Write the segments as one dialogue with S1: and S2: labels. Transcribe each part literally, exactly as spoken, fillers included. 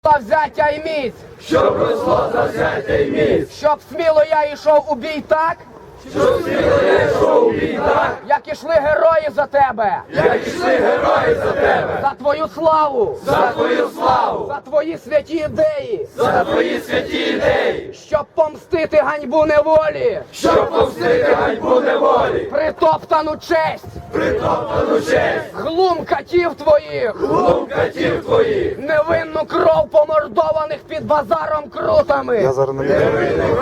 S1: взяття й міць,
S2: щоб росло завзяття й міць,
S1: щоб сміло я йшов у бій так,
S2: щоб сміло я йшов у бій так,
S1: як ішли герої за тебе,
S2: як ішли герої за тебе,
S1: за твою славу,
S2: за твою славу,
S1: за твої святі ідеї,
S2: за твої святі ідеї,
S1: щоб помстити ганьбу неволі,
S2: щоб повстити ганьбу неволі,
S1: притоптану честь,
S2: притоптану честь,
S1: глум катів твоїх,
S2: глум катів твоїх,
S1: невинну кров помордованих під базаром крутами,
S3: Я зараз не
S2: невинних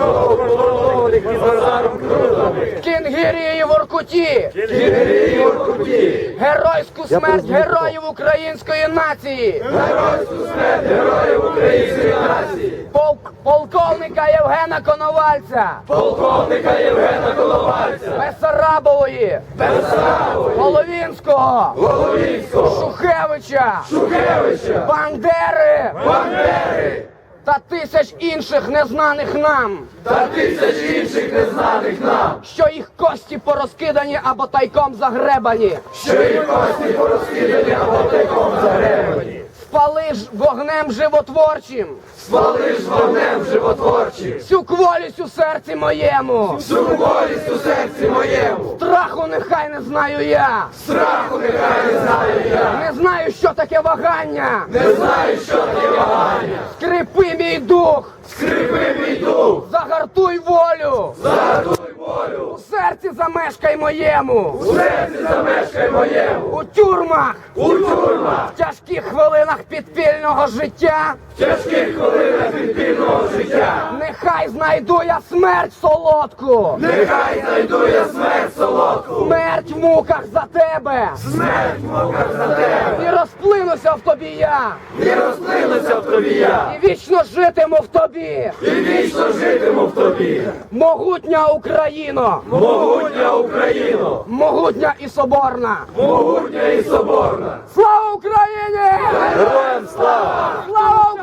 S2: кров під базаром крутами,
S1: Кінгірії в Оркуті,
S2: кінгірії в Оркуті,
S1: геройську смерть героїв української нації,
S2: геройську смерть героїв української нації,
S1: полк- полковника Євгена Коновальця,
S2: полковника Євгена Коновальця,
S1: Бессарабової,
S2: Бессарабової,
S1: Головінського,
S2: Головінського,
S1: Шухевича,
S2: Шухевича,
S1: Бандери
S2: Бандери
S1: та тисяч інших незнаних нам,
S2: та тисяч інших незнаних нам,
S1: що їх кості порозкидані або тайком загребані.
S2: що їх кості порозкидані або тайком загребані.
S1: Спали ж вогнем животворчим,
S2: Спали ж вогнем животворчим,
S1: всю кволість у серці моєму,
S2: всю волість у серці моєму,
S1: страху нехай не знаю я,
S2: страху нехай не знаю я,
S1: не знаю, що таке вагання,
S2: не знаю, що таке вагання,
S1: скрипи мій дух,
S2: скрипи мій дух,
S1: загартуй волю,
S2: загартуй волю,
S1: у серці замешкай моєму,
S2: у серці замешкай моєму,
S1: у тюрмах,
S2: у тюрмах,
S1: в тяжких хвилинах підпільного життя,
S2: в тяжких хвилинах підпільного життя,
S1: нехай знайду я смерть солодку,
S2: нехай знайду я смерть солодку,
S1: смерть в муках за тебе,
S2: смерть в муках за тебе,
S1: і розплинуся в тобі я,
S2: і розплинуся в тобі я,
S1: і вічно житиму в тобі,
S2: і вічно житиму в тобі,
S1: могутня Україно,
S2: могутня Україно,
S1: могутня і соборна.
S2: могутня і соборна.
S1: Слава Україні!
S2: Героям слава!
S1: Слава